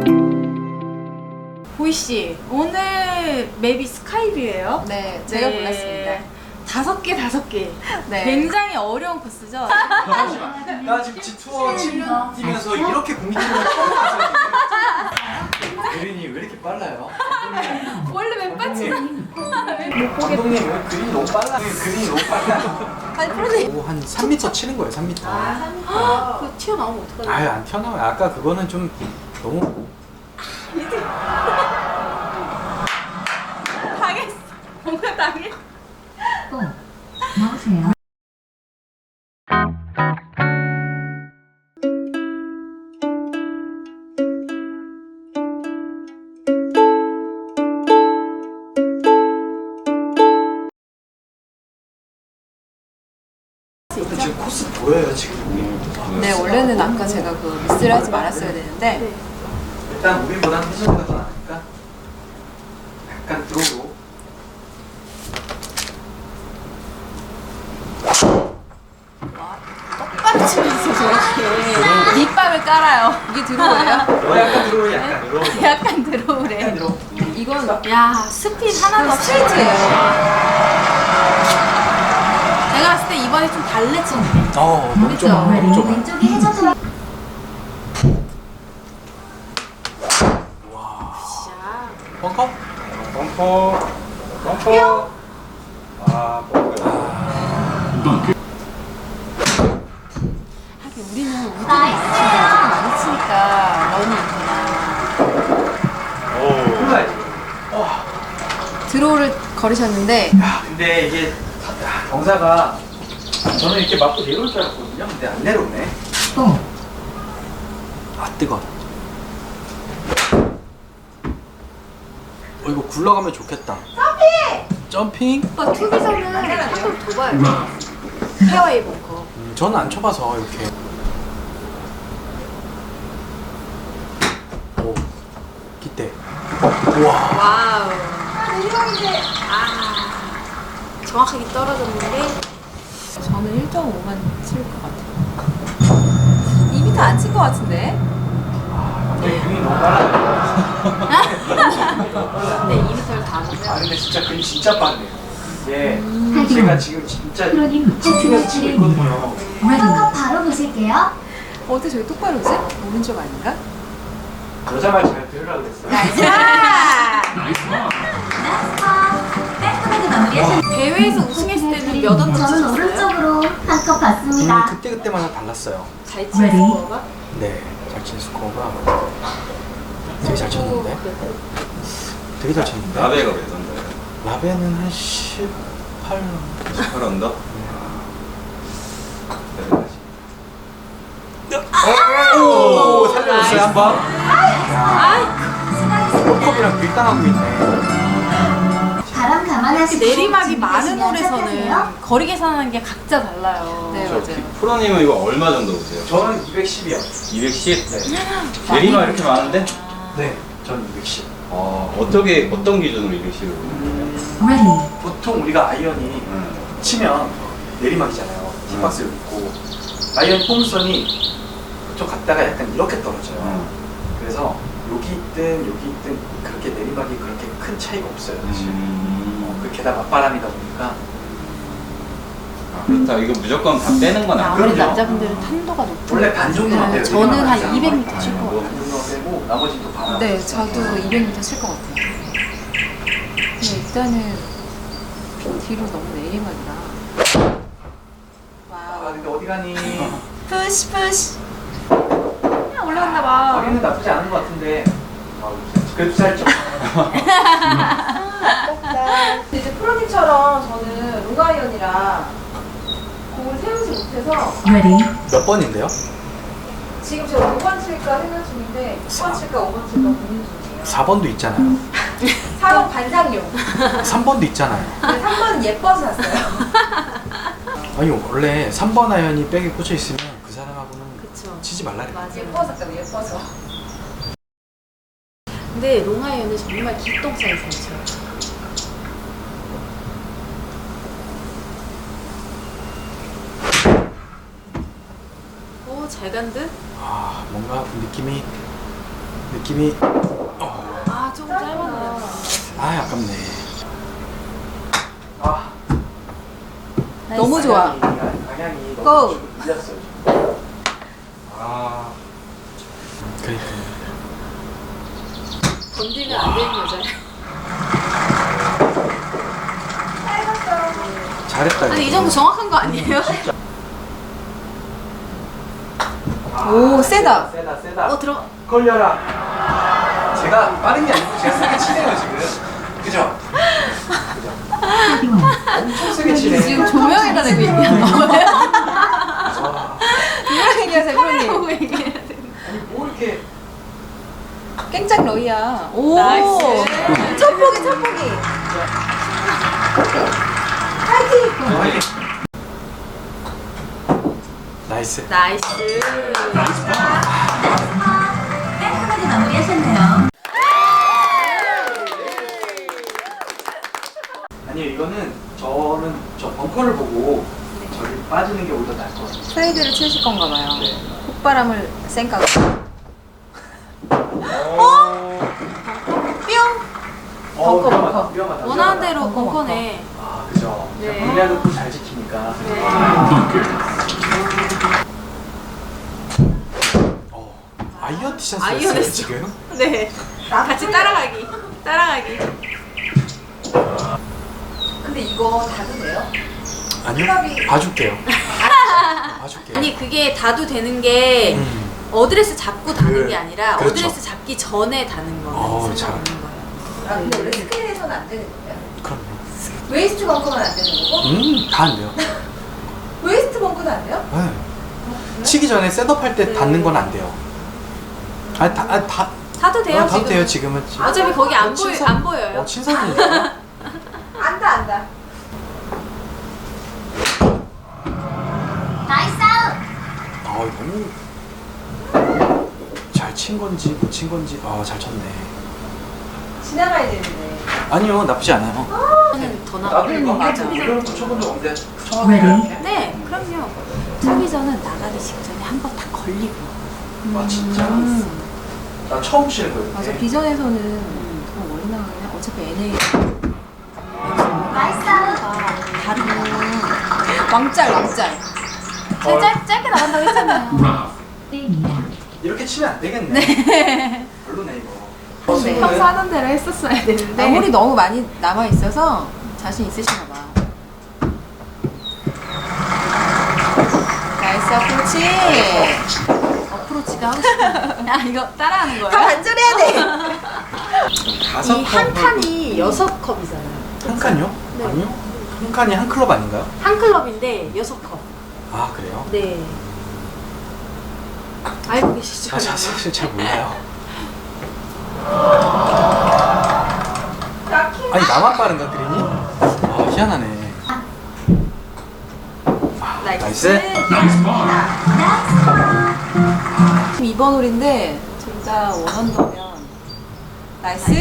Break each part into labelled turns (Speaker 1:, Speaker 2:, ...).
Speaker 1: 보이씨, 오늘 맵이 스카이뷰예요?
Speaker 2: 네, 제가 골랐습니다.
Speaker 1: 5개.
Speaker 2: 네.
Speaker 1: 굉장히 어려운 코스죠?
Speaker 3: 잠시만. 나 지금 G투어 7년 뛰면서 이렇게 공기팀을 처음 봤어요. 예린이 왜 이렇게 빨라요?
Speaker 1: 원래 맵같이
Speaker 3: 감독님 왜 그린이 너무 빨라? 그린이 너무 빨라.
Speaker 2: 아니, 프로님.
Speaker 3: 한 3m 치는 거예요, 3m.
Speaker 1: 그거 튀어나오면 어떡하지?
Speaker 3: 아유, 안 튀어나와요. 아까 그거는 좀 너무.
Speaker 1: 당했어. 뭔가 당했어.
Speaker 4: 나오세요.
Speaker 3: 지금 코스 보여요, 지금.
Speaker 2: 네, 원래는 아까 제가 그 미스를 하지 말았어야 되는데.
Speaker 3: 일단 우리보다는 해설이가 더 나으니까 약간 들어오고.
Speaker 2: 똑바로 치면서 저렇게 밑밥을 깔아요. 이게 들어오래요?
Speaker 3: 약간 들어오고, 약간 들어오고.
Speaker 2: 약간 들어오래.
Speaker 3: 약간 들어오고.
Speaker 2: 이건
Speaker 1: 야, 스피드 하나도 없이
Speaker 2: 스트레이트예요.
Speaker 1: 내가 봤을 때 이번에 좀 달래쳤네.
Speaker 3: 너무 좁아. 너무 좁아.
Speaker 4: 왼쪽이 해저드.
Speaker 3: 벙커?
Speaker 5: 벙커. 아, 벙커.
Speaker 2: 하긴 우리는 우드를 많이 치니까 런이 있구나.
Speaker 5: 오.
Speaker 3: 몰라야지.
Speaker 2: 드로우를 걸으셨는데
Speaker 3: 야, 근데 이게 경사가 저는 이렇게 맞고 내려올 줄 알았거든요. 근데 안 내려오네. 아, 뜨거. 이거 굴러가면 좋겠다. 점핑?
Speaker 2: 오빠 투비서는 한번 더 봐요. 페어웨이 벙커.
Speaker 3: 저는 안 쳐봐서 이렇게. 오, 기대. 우와.
Speaker 1: 와우. 정확하게 떨어졌는데
Speaker 2: 저는 1.5만 칠 것 같아요. 2m 안 칠 것 같은데?
Speaker 3: 그림이 너무 빨라요.
Speaker 1: 근데 2m를 다 하면
Speaker 3: 근데 진짜 그림 진짜 빠르네요. 이게 제가 지금 진짜
Speaker 4: 프로님
Speaker 3: 집중해서 치고 있거든요.
Speaker 4: 벙커 바로 보실게요.
Speaker 2: 어떻게 저기 똑바로 오지? 오른쪽 아닌가?
Speaker 3: 여자 말 잘 들으라고 그랬어요.
Speaker 4: 깔끔하게 마무리하셨.
Speaker 1: 대회에서 우승했을 때는 몇 원
Speaker 4: 저는
Speaker 1: 치셨어요?
Speaker 4: 오른쪽으로 한컵 받습니다.
Speaker 3: 그때마다 달랐어요.
Speaker 1: 잘 치는 스코어가?
Speaker 3: 네, 잘 치는 스코어가 되게 잘 쳤는데? 되게 잘 쳤는데?
Speaker 5: 라베가 몇 던져요?
Speaker 3: 라베는 한 18.
Speaker 5: 18 언더?
Speaker 3: 오, 살려줬어요, 한 번. 컵이랑 밀당하고 있네.
Speaker 4: 바람 감안하시고
Speaker 1: 내리막이 많은
Speaker 4: 준비되시면
Speaker 1: 홀에서는
Speaker 4: 시작하세요.
Speaker 1: 거리 계산하는 게 각자 달라요.
Speaker 2: 네, 맞아요.
Speaker 5: 프로님은 이거 얼마 정도 보세요?
Speaker 3: 저는 210이요.
Speaker 5: 210?
Speaker 3: 네.
Speaker 5: 내리막 이렇게 많은데?
Speaker 3: 네, 저는 210.
Speaker 5: 어떤 기준으로 210을 보는 거예요?
Speaker 3: 보통 우리가 아이언이 치면 내리막이잖아요. 힙박스를 있고 아이언 폼선이 그쪽 갔다가 약간 이렇게 떨어져요. 그래서 여기 있든 그렇게 내리막이 그렇게 큰 차이가 없어요, 사실. 그 게다가 맞바람이다 보니까.
Speaker 5: 그렇다. 이거 무조건 다 빼는 건 아니에요.
Speaker 1: 아무래도
Speaker 3: 그럼요.
Speaker 1: 남자분들은 탄도가 높고
Speaker 3: 원래 반 정도만 빼요.
Speaker 1: 저는 한
Speaker 3: 내리막은
Speaker 1: 200m 칠 것 같아요.
Speaker 3: 반 정도만 빼고 나머지는 또 바람.
Speaker 2: 네, 저도 200m 칠 것 같아요. 근데 일단은 뒤로 너무 내리막이라.
Speaker 3: 아, 근데 어디 가니?
Speaker 1: 푸시. 그냥 올라갔나 봐.
Speaker 3: 거리는 나쁘지 않은 것 같은데. 그래도 짧죠.
Speaker 2: 이제 프로님처럼 저는 롱아이언이라 공을 세우지 못해서
Speaker 3: 몇 번인데요?
Speaker 2: 지금 제가 5번 칠까 생각 중인데 6번 칠까 5번 칠까 고민 중이에요.
Speaker 3: 4번도 있잖아요.
Speaker 2: 4번 반장용.
Speaker 3: 3번도 있잖아요.
Speaker 2: 근데 3번은 예뻐서 샀어요.
Speaker 3: 아니 원래 3번 아이언이 백에 꽂혀 있으면 그 사람하고는
Speaker 1: 그쵸.
Speaker 3: 치지 말라 그래요.
Speaker 2: 맞아, 예뻐서 샀다고 예뻐서.
Speaker 1: 근데 롱아이언은 정말 기똥 사이즈 쳐요. 오, 잘 간 듯?
Speaker 3: 아, 뭔가 느낌이 느낌이
Speaker 1: 아, 조금 짧았네요.
Speaker 3: 아깝네. 아
Speaker 2: 너무 좋아.
Speaker 3: 방향이
Speaker 2: 고!
Speaker 3: 너무 밀렸어요. 아 그러니까
Speaker 1: 건들면 안 되는 여자예요.
Speaker 3: 잘했다.
Speaker 1: 아니, 이
Speaker 3: 이거.
Speaker 1: 정도 정확한 거 아니에요?
Speaker 2: 오, 세다.
Speaker 3: 세다.
Speaker 1: 들어.
Speaker 3: 걸려라. 제가 빠른 게 아니고 제가 세게 치네요 지금. 그죠? 엄청 세게 치네.
Speaker 2: 지금 조명에다 대고 얘기하는 거예요?
Speaker 3: 와.
Speaker 2: 누구랑 얘기하세요, 프로님?
Speaker 1: 보고 얘기해야 돼.
Speaker 3: 아니 뭐 이렇게
Speaker 2: 깽짝 러이야. 오!
Speaker 1: 나이스.
Speaker 2: 첫 보기, 첫 보기.
Speaker 3: 나이스.
Speaker 1: 나이스.
Speaker 4: 깔끔하게 마무리하셨네요.
Speaker 3: 아니요 이거는 저는 저 벙커를 보고 저기 빠지는 게 오히려 나을 것 같아요.
Speaker 2: 사이드를 치실 건가 봐요. 콧바람을 쌩까고. 벙커, 벙커.
Speaker 3: 위험하다.
Speaker 1: 원하는 대로
Speaker 2: 벙커,
Speaker 1: 벙커네.
Speaker 3: 아 그죠.
Speaker 1: 네.
Speaker 3: 분량도 또 잘 지키니까.
Speaker 1: 네.
Speaker 3: 아이언 티셔츠
Speaker 1: 아이언
Speaker 3: 했어요
Speaker 1: 했어.
Speaker 3: 지금?
Speaker 1: 네. 같이 따라가기. 따라가기.
Speaker 2: 근데 이거 다도 돼요?
Speaker 3: 아니요. 봐줄게요. 봐줄게요.
Speaker 1: 아니, 그게 다도 되는 게 어드레스 잡고 다는 게 아니라
Speaker 3: 그렇죠.
Speaker 1: 어드레스 잡기 전에 다는 거예요.
Speaker 3: 잘.
Speaker 1: 거예요.
Speaker 2: 아, 근데 원래 스크린에서는 안 되는 거예요?
Speaker 3: 그럼요.
Speaker 2: 웨이스트 벙커는 안 되는 거고?
Speaker 3: 다 안 돼요.
Speaker 2: 웨이스트 벙커는 안 돼요?
Speaker 3: 네. 치기 전에 셋업할 때
Speaker 1: 네.
Speaker 3: 닿는 건 안 돼요. 다
Speaker 1: 다도 돼요,
Speaker 3: 다도
Speaker 1: 지금.
Speaker 3: 돼요 지금은.
Speaker 1: 어차피 거기 안
Speaker 3: 친선-
Speaker 1: 안 보여요.
Speaker 3: 친선이니까.
Speaker 2: 안다, 안다.
Speaker 4: 나이스 아웃.
Speaker 3: 너무 잘 친 건지 못 친 건지 잘 쳤네.
Speaker 2: 지나가야 되는데.
Speaker 3: 아니요 나쁘지 않아요.
Speaker 1: 저는 더
Speaker 3: 나도
Speaker 1: 나아요.
Speaker 3: 이거
Speaker 1: 맞아.
Speaker 3: 이런 거 쳐본 적 없는데 처음에 이렇게?
Speaker 1: 네, 그럼요. 차기전은 나가기 직전에 한 번 다 걸리고.
Speaker 3: 아 진짜? 나 처음 치는 거예요.
Speaker 2: 맞아,
Speaker 3: 이게.
Speaker 2: 비전에서는 더 멀리 나가냐? 어차피 NA.
Speaker 4: 나이스 아웃.
Speaker 1: 다르고.
Speaker 2: 왕짤.
Speaker 1: 짧게 나간다고 했잖아요.
Speaker 3: 이렇게 치면 안 되겠네. 별로네 이거.
Speaker 2: 네.
Speaker 1: 평소 하던 대로 했었어야 되는데.
Speaker 2: 나물이 너무 많이 남아 있어서 자신 있으신가 봐. 나이스 어프로치.
Speaker 1: 어프로치가 하고 싶어. 아, 이거 따라하는 거예요?
Speaker 2: 반절해야 돼.
Speaker 3: 다섯
Speaker 1: 이 한
Speaker 3: 컵을-
Speaker 1: 칸이 6컵이잖아요.
Speaker 3: 한 칸요?
Speaker 1: 네.
Speaker 3: 아니요. 한 칸이 한 클럽 아닌가요?
Speaker 1: 한 클럽인데 6컵.
Speaker 3: 아 그래요?
Speaker 1: 네. 알고 계시죠?
Speaker 3: 사실 잘 몰라요. 아니 나만 빠른가 그린이? 희한하네. 나이스.
Speaker 2: 2번 홀인데 진짜 원언더면 나이스.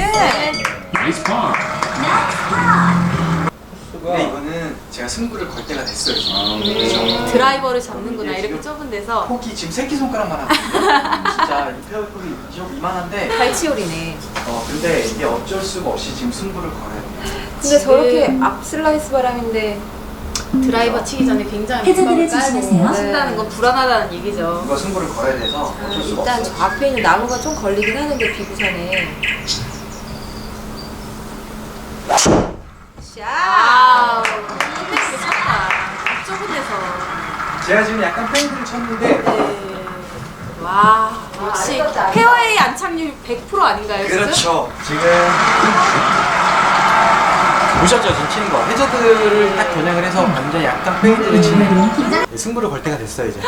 Speaker 3: 근데 이거는 제가 승부를 걸 때가 됐어요 지금.
Speaker 1: 네. 드라이버를 잡는구나.
Speaker 3: 네,
Speaker 1: 이렇게
Speaker 3: 지금
Speaker 1: 좁은 데서.
Speaker 3: 폭이 지금 새끼손가락만 하거든요. 진짜 이 페어폭이 이만한데
Speaker 2: 발치홀이네.
Speaker 3: 근데 이게 어쩔 수가 없이 지금 승부를 걸어야 돼요.
Speaker 2: 근데 저렇게 앞 슬라이스 바람인데
Speaker 1: 드라이버 치기 전에 굉장히
Speaker 4: 해저드를
Speaker 1: 부담을 깔고
Speaker 4: 조심하세요.
Speaker 1: 친다는 건 불안하다는 얘기죠.
Speaker 3: 이거 승부를 걸어야 돼서 어쩔 수가
Speaker 2: 일단
Speaker 3: 없어요.
Speaker 2: 저 앞에 있는 나무가 좀 걸리긴 하는데 비구산에.
Speaker 1: 아우, 힘들게 쳤다. 좁은 데서.
Speaker 3: 제가 지금 약간 페인트를 쳤는데
Speaker 1: 네. 와, 역시
Speaker 2: 아름답다.
Speaker 1: 페어웨이 안착률 100% 아닌가요? 지금?
Speaker 3: 그렇죠. 지금 보셨죠? 지금 치는 거. 해저드를 딱 겨냥을 해서 완전 약간 페인트를 치는 승부를 걸 때가 됐어요 이제.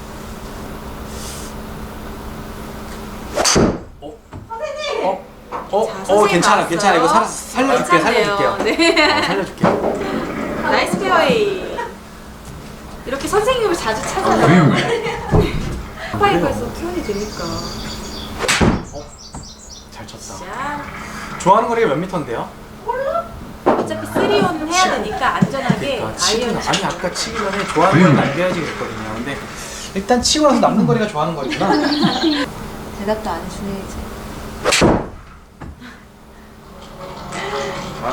Speaker 1: 자, 선생님
Speaker 3: 괜찮아,
Speaker 1: 나왔어요.
Speaker 3: 괜찮아. 이거 살려줄게요, 살려줄게요.
Speaker 1: 네.
Speaker 3: 살려줄게요.
Speaker 1: 나이스 페어웨이. 이렇게 선생님을 자주 찾아요. 파이브에서 표현이 되니까.
Speaker 3: 잘 쳤다.
Speaker 1: 자,
Speaker 3: 좋아하는 거리가 몇 미터인데요?
Speaker 1: 어차피 3온 해야 되니까 안전하게
Speaker 3: 그러니까 치고
Speaker 1: 아이언
Speaker 3: 아니 아까 치기 전에 좋아하는 거리 남겨야지 그랬거든요. 근데 일단 치고 나서 남는 거리가 좋아하는 거리구나.
Speaker 2: 대답도 안 해주네 이제.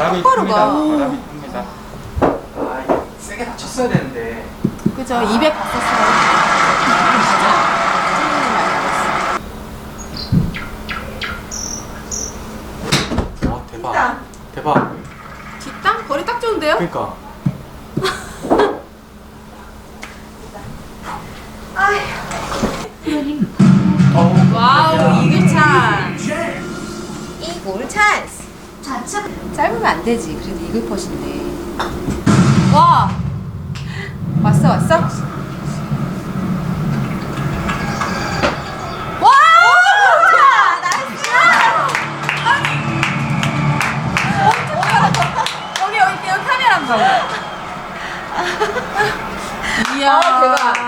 Speaker 5: 바람이
Speaker 1: 똑바로
Speaker 5: 큽니다.
Speaker 1: 가.
Speaker 5: 바람이 큽니다.
Speaker 3: 아 이게 세게 다쳤어야 되는데.
Speaker 1: 그죠? 200 갔었어요. 충분히 많이 나갔어.
Speaker 3: 와 대박. 대박.
Speaker 1: 뒷땅? 거리 딱 좋은데요?
Speaker 3: 그러니까.
Speaker 1: 와우, 이글 찬스.
Speaker 2: 이글 찬스.
Speaker 4: 좌측
Speaker 2: 짧으면 안 되지. 그래도 이글 컷인데.
Speaker 1: 와,
Speaker 2: 왔어 왔어?
Speaker 1: 와! 야, 나이스! 여기 카메라 한번 봐. 이야, 대박.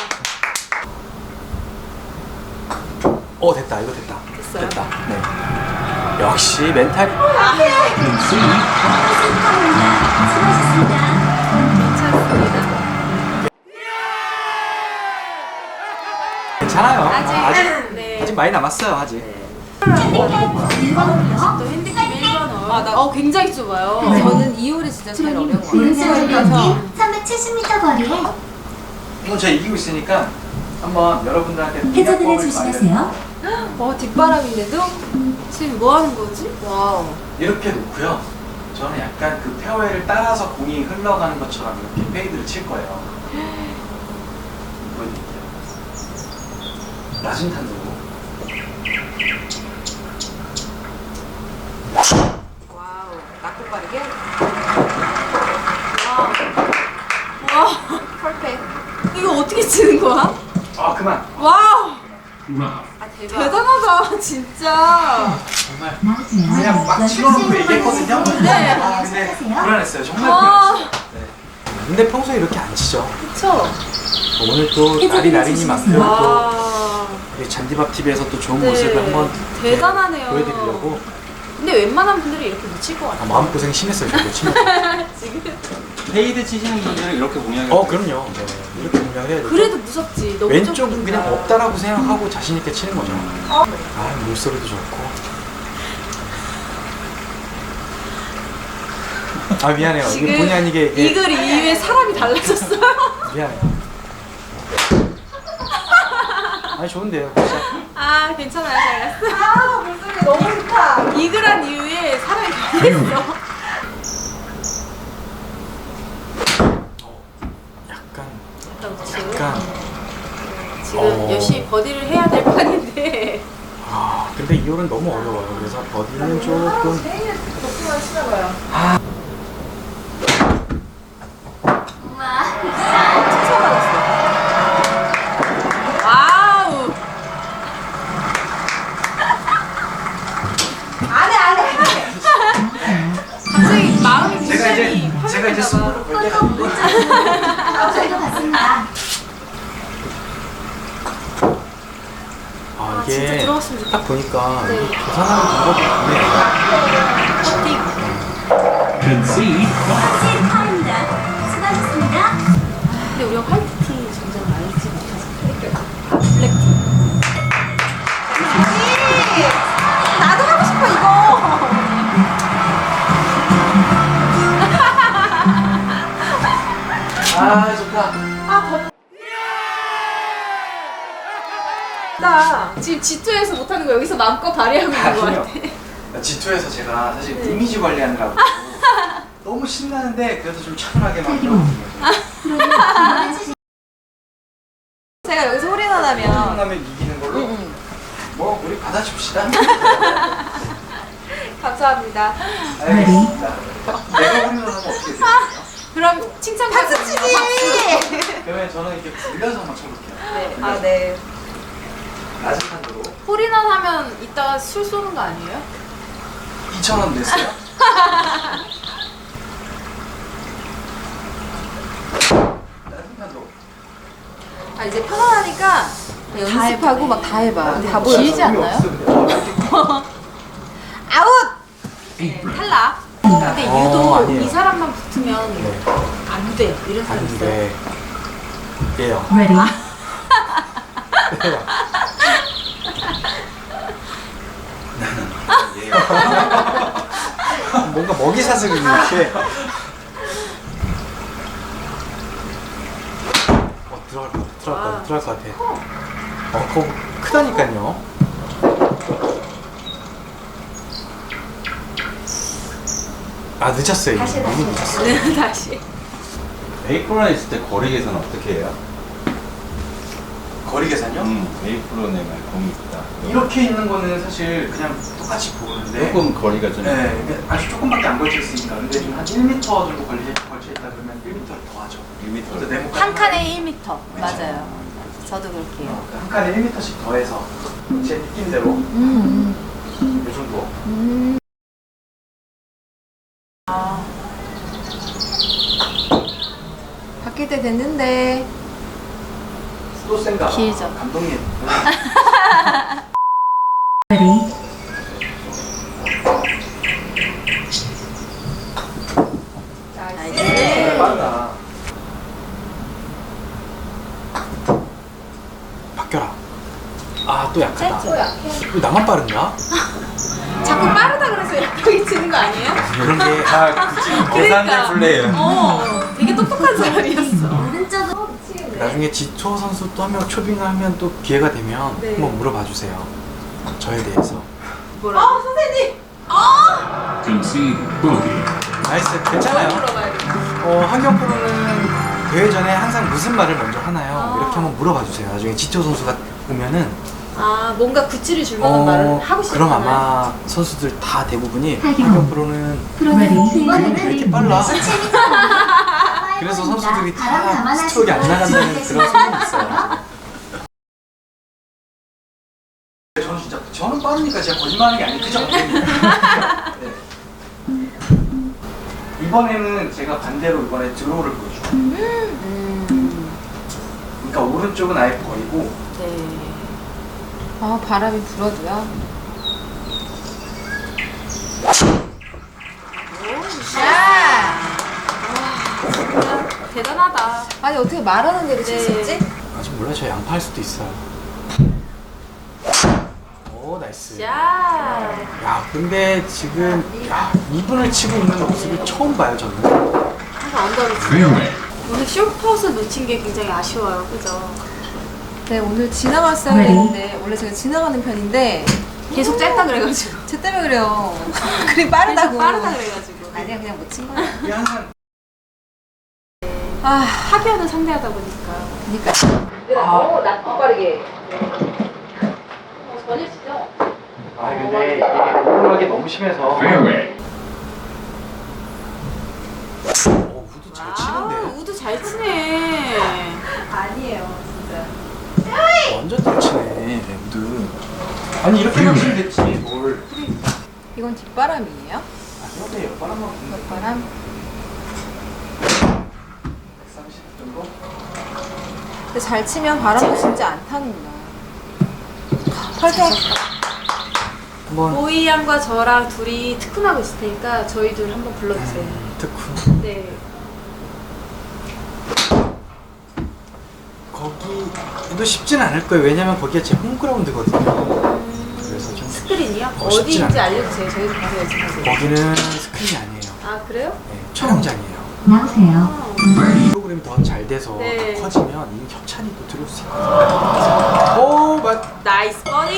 Speaker 3: 됐다. 이거 됐다.
Speaker 1: 됐어요?
Speaker 3: 됐다. 네. 역시 멘탈이.
Speaker 4: 수고하셨습니다.
Speaker 3: 괜찮아요.
Speaker 1: 네.
Speaker 3: 아직 많이 남았어요. 아직.
Speaker 1: 또 핸디캡 1번호. 아, 나 굉장히 좁아요.
Speaker 2: 저는 2홀이 진짜 제일 어려운 것 같아요.
Speaker 4: 오른쪽 경기 370m 거리에
Speaker 3: 오늘 제가 이기고 있으니까 한번 여러분들한테
Speaker 4: 해저드를
Speaker 3: 공략법을
Speaker 4: 조심하세요.
Speaker 1: 뒷바람인데도? 지금 뭐 하는 거지? 와우.
Speaker 3: 이렇게 놓고요. 저는 약간 그 페어웨이를 따라서 공이 흘러가는 것처럼 이렇게 페이드를 칠 거예요. 보여드릴게요. 낮은 탄도로.
Speaker 1: 와우. 낮고 빠르게. 와우. 와. 퍼펙트. 이거 어떻게 치는 거야?
Speaker 3: 아 그만.
Speaker 1: 와우. 아, 대박. 대단하다, 진짜.
Speaker 3: 정말
Speaker 4: 나오세요.
Speaker 3: 그냥 막 치러놓고 얘기했거든요.
Speaker 1: 네.
Speaker 3: 아 근데 불안했어요. 정말
Speaker 1: 와.
Speaker 3: 불안했어요. 네. 근데 평소에 이렇게 안 치죠.
Speaker 1: 그쵸?
Speaker 3: 오늘 또 날이 날이니만큼 또
Speaker 1: 와.
Speaker 3: 우리 잔디밥 TV에서 또 좋은
Speaker 1: 네.
Speaker 3: 모습을 한번 이렇게
Speaker 1: 대단하네요.
Speaker 3: 보여드리려고.
Speaker 1: 근데 웬만한 분들이 이렇게 못 칠 것 같아요.
Speaker 3: 마음 고생 심했어요. 저도 치면서.
Speaker 1: 지금.
Speaker 5: 페이드 치시는 분들은 이렇게 공략을
Speaker 3: 그럼요. 네. 이렇게 공략을 해야 되죠.
Speaker 1: 그래도 무섭지. 너무
Speaker 3: 왼쪽은
Speaker 1: 좁으니까.
Speaker 3: 그냥 없다라고 생각하고 자신 있게 치는 거죠. 물소리도 좋고. 미안해요.
Speaker 1: 지금
Speaker 3: 이게 본의 아니게 이게
Speaker 1: 이글 이후에 사람이 달라졌어요.
Speaker 3: 미안해요. 좋은데요. 진짜.
Speaker 1: 괜찮아요. 잘 갔어. 목소리 너무 좋다. 이글한 이후에 사람이 변했어.
Speaker 3: 약간.
Speaker 1: 지금 열심히 버디를 해야 될 판인데.
Speaker 3: 근데 이 홀은 너무 어려워요. 그래서 버디는 조금.
Speaker 1: 덕분만 치나봐요. 와우. 안 해. 갑자기 마음이
Speaker 3: 제가 이제 승부를 걸 때가 있고.
Speaker 4: 저희도 갔습니다.
Speaker 3: 이게
Speaker 1: 진짜 들어갔으면 좋겠다.
Speaker 3: 딱 보니까
Speaker 1: 네.
Speaker 3: 계산하는 방법이 있네요.
Speaker 4: 타입니다. 수고하셨습니다.
Speaker 1: 근데 우리가 화이트티 점점 알지 못해서 블랙티. 나도 하고 싶어 이거.
Speaker 3: 좋다.
Speaker 1: 나 지금 G2에서 못하는 거 여기서 마음껏 발휘하고 있는 거 같아.
Speaker 3: G2에서 제가 사실 이미지 관리하느라고 너무 신나는데 그래도 좀 차분하게 막
Speaker 1: 제가 여기서 홀인원 하면
Speaker 3: 하면 이기는 걸로 뭐 우리 받아줍시다.
Speaker 1: 감사합니다.
Speaker 3: 알겠습니다. 내가 홀인원 하면 어떻게 돼요?
Speaker 1: 그럼 칭찬 박수 치기.
Speaker 3: 그러면 저는 이렇게 굴려서 한번 쳐볼게요.
Speaker 1: 네.
Speaker 3: 낮은 탄도로
Speaker 1: 홀인원 하면 이따가 술 쏘는 거 아니에요?
Speaker 3: 2,000원 냈어요. 낮은 탄도로.
Speaker 1: 이제 편안하니까 연습하고 막 다 해봐. 다 보여. 길지
Speaker 3: 의미
Speaker 1: 않나요?
Speaker 3: 없어, 근데.
Speaker 1: 아웃! 탈락. 근데 유독
Speaker 3: 아니에요.
Speaker 1: 이 사람만 붙으면
Speaker 3: 네.
Speaker 1: 안 돼. 이런 사람 있어요.
Speaker 3: 안돼. 예요. 뭔가 약간 먹이 사슬을 이렇게. 들어갈 것 같아. 그거 크다니까요. 아, 늦었어요. 너무 늦었어요.
Speaker 1: 네, 다시.
Speaker 5: A-프로에 있을 때 거리 계산 어떻게 해요?
Speaker 3: 거리 계산요?
Speaker 5: A-프로 내말 공이 있다.
Speaker 3: 이렇게 있는 거는 사실 그냥 똑같이 보는데.
Speaker 5: 조금 거리가 좀.
Speaker 3: 네, 아주 조금밖에 안 걸쳐 있으니까. 근데 좀 한 1m 정도 걸쳐 있다 그러면 1m를 더 하죠.
Speaker 5: 1m.
Speaker 1: 한 칸에 1m. 맞아요. 저도 그렇게 해요.
Speaker 3: 한 칸에 1m씩 더해서 제 느낌대로 이 정도.
Speaker 2: 바뀔 때 됐는데.
Speaker 3: 수도 센가 봐.
Speaker 1: 길죠.
Speaker 3: 감독님.
Speaker 1: 나이스.
Speaker 3: 빠르다. 바뀌어라. 아, 또 약하다.
Speaker 1: 또 약해.
Speaker 3: 왜 나만 빠른가?
Speaker 1: 자꾸 빠르다 그래서 약하게 치는 거 아니에요?
Speaker 3: 이런 게
Speaker 5: 계산대 플레이예요.
Speaker 1: 되게 똑똑한 사람이었어.
Speaker 4: 오른쪽으로
Speaker 3: 나중에 지초 선수 또 한 명 초빙을 하면 또 기회가 되면
Speaker 1: 네.
Speaker 3: 한번 물어봐 주세요. 저에 대해서.
Speaker 1: 뭐라? 선생님!
Speaker 6: Concede bogey.
Speaker 3: 나이스. 괜찮아요.
Speaker 1: 물어봐야 돼.
Speaker 3: 한경 프로는 대회 전에 항상 무슨 말을 먼저 하나요? 이렇게 한번 물어봐 주세요. 나중에 지초 선수가 보면은
Speaker 1: 아, 뭔가 구찌를 줄 만한 말을 하고 싶은
Speaker 3: 그럼 아마 선수들 다 대부분이
Speaker 4: 하경.
Speaker 3: 한경 프로는
Speaker 4: 이번에는
Speaker 3: 왜 이렇게 빨라?
Speaker 4: 17m.
Speaker 3: 그래서 선수들이
Speaker 4: 바람
Speaker 3: 다
Speaker 4: 감안하시고
Speaker 3: 스트로크가 안 나간다는 그런
Speaker 4: 준비하겠습니다.
Speaker 3: 소문이 있어요. 저는 진짜 저는 빠르니까 제가 거짓말하는 게 아니고 그죠? 네. 이번에는 제가 반대로 이번에 드로우를 보여줄게요. 그러니까 오른쪽은 아예 버리고
Speaker 1: 네.
Speaker 2: 아, 바람이 불어도요.
Speaker 1: 야! 대단하다.
Speaker 2: 아니, 어떻게 말하는 대로 칠 수
Speaker 1: 네.
Speaker 2: 있지?
Speaker 3: 아직 몰라요. 저 양파할 수도 있어요. 오, 나이스.
Speaker 1: 야!
Speaker 3: 야, 근데 지금 2분을 치고 있는 모습을 처음 봐요, 저는.
Speaker 1: 항상 언더를 치고.
Speaker 6: Fairway.
Speaker 1: 오늘 숏퍼스 놓친 게 굉장히 아쉬워요. 그죠?
Speaker 2: 네, 오늘 지나갔어야 되는데, 원래 제가 지나가는 편인데,
Speaker 1: 계속 짧다 그래가지고.
Speaker 2: 쟤 때문에 그래요. 그리 빠르다고.
Speaker 1: 계속 빠르다 그래가지고.
Speaker 2: 아니야, 그냥 못 친 거야.
Speaker 3: 이게 항상
Speaker 2: 아,
Speaker 1: 하변을 상대하다 보니까.
Speaker 2: 그니까.
Speaker 1: 낮고 빠르게. 전혀 치죠?
Speaker 3: 아, 근데 이게 오르막이 너무 심해서
Speaker 6: Fairway.
Speaker 3: 우드 잘 치는데.
Speaker 1: 우드 잘 치네.
Speaker 2: 아니에요, 진짜.
Speaker 3: 완전 잘 치네, 우드. 아니, 이렇게만 치면 됐지, 뭘.
Speaker 2: 이건 뒷바람이에요?
Speaker 3: 아니요, 네, 바람만 부는
Speaker 2: 뒷바람?
Speaker 3: 130 정도?
Speaker 2: 근데 잘 치면 바람도 진짜 안 타는구나. 펄쩍.
Speaker 3: 한번
Speaker 1: 보이 양과 저랑 둘이 특훈하고 있을 테니까 저희 둘 한번 불러주세요.
Speaker 3: 특훈.
Speaker 1: 네.
Speaker 3: 거기도 쉽진 않을 거예요. 왜냐면 거기가 제 홈그라운드거든요. 그래서 좀
Speaker 1: 스크린이요?
Speaker 3: 쉽진
Speaker 1: 어디인지
Speaker 3: 않아요.
Speaker 1: 알려주세요. 저희도 가서 연습하세요.
Speaker 3: 거기는 스크린이 아니에요.
Speaker 1: 아, 그래요?
Speaker 3: 네, 촬영장이에요.
Speaker 4: 나오세요.
Speaker 3: 프로그램이 더 잘 돼서
Speaker 1: 네.
Speaker 3: 커지면 이 협찬이 또 들어올 수 있거든요. 오,
Speaker 1: 나이스 버디!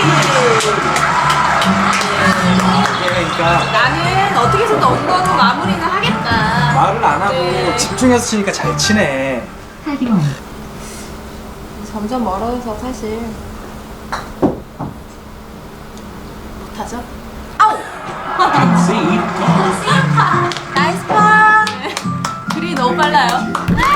Speaker 3: 그러니까
Speaker 1: 나는 어떻게 해서든 언더로 마무리는 하겠다.
Speaker 3: 말을 안 하고
Speaker 1: 네.
Speaker 3: 집중해서 치니까 잘 치네.
Speaker 4: 하경.
Speaker 2: 점점 멀어져서 사실.
Speaker 1: 못하죠?
Speaker 6: Concede bogey.
Speaker 1: 나이스 파! 그리 너무 빨라요.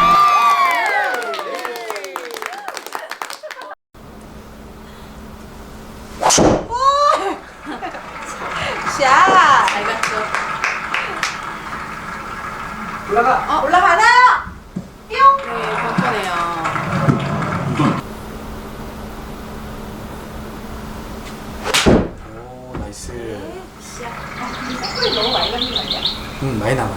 Speaker 2: 샷!
Speaker 1: 잘 갔죠?
Speaker 3: 올라가.
Speaker 2: 올라가나?
Speaker 1: 네, 번편해요.
Speaker 3: 오, 나이스.
Speaker 1: 너무 많이 가는 거 아니야?
Speaker 3: 많이 남아요.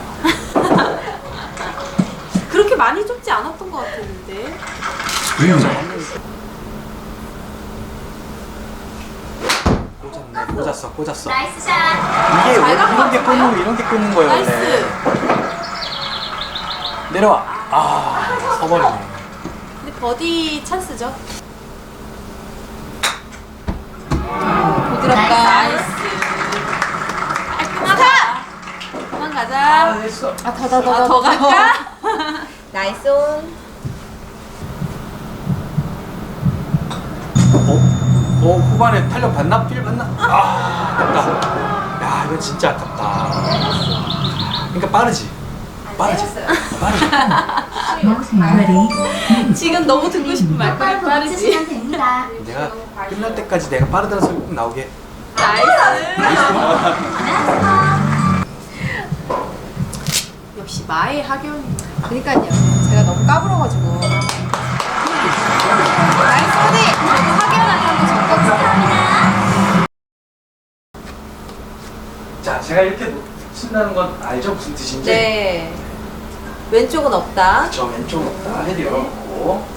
Speaker 1: 그렇게 많이 좁지 않았던 것 같았는데.
Speaker 6: Fairway.
Speaker 3: 꽂았네. 꽂았어.
Speaker 7: 나이스 샷.
Speaker 3: 이게
Speaker 1: 잘
Speaker 3: 원래
Speaker 1: 갖고
Speaker 3: 이런 게 꽂는 거예요, 원래.
Speaker 1: 나이스.
Speaker 3: 내려와. 아, 서버리네.
Speaker 1: 근데 버디 찬스죠.
Speaker 2: 부드럽다.
Speaker 1: 나이스. 깔끔하다. 그만 가자.
Speaker 3: 됐어.
Speaker 1: 더 갈까?
Speaker 2: 나이스 온.
Speaker 3: 후반에 탄력 받나? 필 받나? 아깝다. 야, 이거 진짜 아깝다. 그러니까 빠르지.
Speaker 4: 나오세요. Ready.
Speaker 1: 지금 너무 듣고 싶은 말까지 빠르지.
Speaker 7: 됩니다.
Speaker 3: 내가 끝날 때까지 내가 빠르다는 소리 꼭 나오게.
Speaker 1: 나이스. 역시 마의 학연.
Speaker 2: 그러니까요. 제가 너무 까불어가지고. 나이스 버디.
Speaker 1: 저도 학연한테 한번 적거든요.
Speaker 3: 자, 제가 이렇게 친다는 건 알죠? 무슨 뜻인지?
Speaker 2: 네. 왼쪽은 없다.
Speaker 3: 저 왼쪽 없다. 헤드 열어놓고.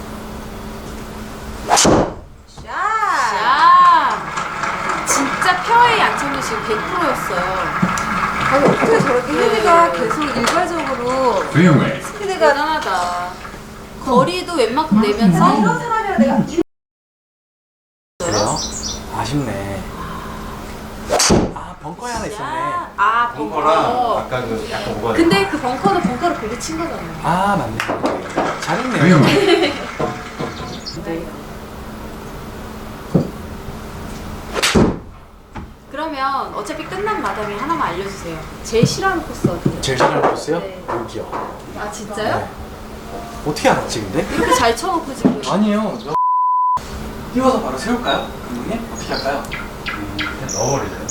Speaker 2: 샷.
Speaker 1: 야, 진짜 페어웨이 안착률 지금 100%였어요.
Speaker 2: 아니 어떻게 저렇게 헤드가 계속 일괄적으로
Speaker 6: Fairway.
Speaker 2: 스피드가
Speaker 1: 대단하다. 거리도 웬만큼 내면서
Speaker 2: 이런 사람이라 내가
Speaker 3: 그래요? 아쉽네. 아, 벙커에 하나 있었네.
Speaker 1: 아,
Speaker 5: 벙커랑
Speaker 1: 벙커.
Speaker 5: 아까 그 약간 뭐가
Speaker 1: 근데 그 벙커도 벙커를 보고 친 거잖아요.
Speaker 3: 아, 맞네. 잘했네요.
Speaker 6: Fairway.
Speaker 1: 그러면 어차피 끝난 마당에 하나만 알려주세요. 제일 싫어하는 코스 어디예요?
Speaker 3: 제일 잘하는 코스요?
Speaker 1: 네.
Speaker 3: 여기요.
Speaker 1: 아 진짜요?
Speaker 3: 네. 어떻게 알았지, 근데?
Speaker 1: 이렇게 잘 쳐놓고 지금.
Speaker 3: 아니에요. 띄워서 바로 세울까요? 감독님? 어떻게 할까요?
Speaker 5: 그냥 넣어버리죠.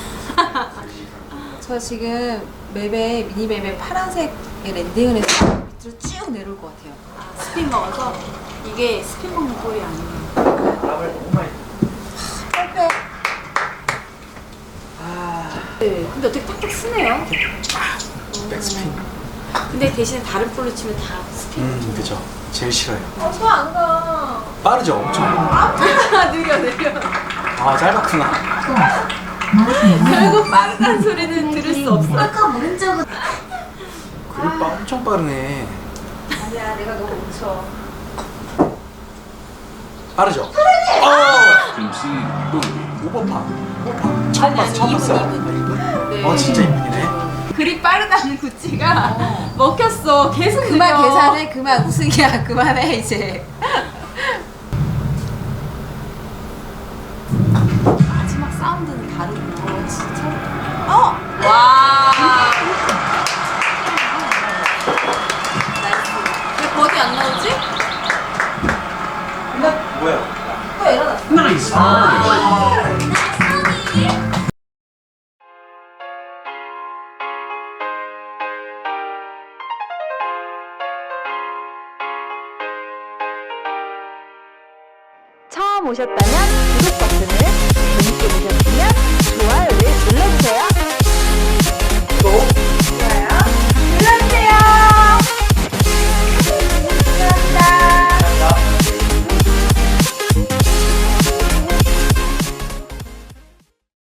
Speaker 2: 저 지금 맵에 미니맵에 파란색에 랜딩을 해서 밑으로 쭉 내려올 것 같아요.
Speaker 1: 아, 스핀 먹어서 이게 스핀 먹는 볼이 아니에요.
Speaker 3: 바람을 너무 많이.
Speaker 2: perfect.
Speaker 3: 아,
Speaker 1: 네. 근데 어떻게 탁탁 쓰네요.
Speaker 3: 백스핀.
Speaker 1: 근데 대신에 다른 볼로 치면 다 스핀.
Speaker 3: 그죠. 제일 싫어요.
Speaker 2: 저안 가.
Speaker 3: 빠르죠, 엄청.
Speaker 1: 느려.
Speaker 3: 아, 짧았구나.
Speaker 4: 나오세요.
Speaker 1: 결국 빠르다는 소리는 들을 수 없어.
Speaker 7: 아까 오른쪽은
Speaker 3: 그립 엄청 빠르네.
Speaker 2: 아니야 내가 너무 못 쳐.
Speaker 3: 빠르죠?
Speaker 6: Concede bogey.
Speaker 3: 오버파. 처음 봤어, 처음 봤어.
Speaker 1: 이분. 네.
Speaker 3: 진짜 이분이네.
Speaker 1: 그리 빠르다는 구찌가 먹혔어. 계속
Speaker 2: 그만
Speaker 1: 느려.
Speaker 2: 계산해. 그만 우승이야. 그만해 이제.
Speaker 1: 마지막 사운드는 다르구나. 진짜. 와. 나이스. 왜 버디 안 나오지?
Speaker 3: 뭐야?
Speaker 2: 또 일어났어.
Speaker 6: Nice birdie.
Speaker 8: 처음 오셨다면 구독 버튼을, 재밌게 보셨으면 좋아요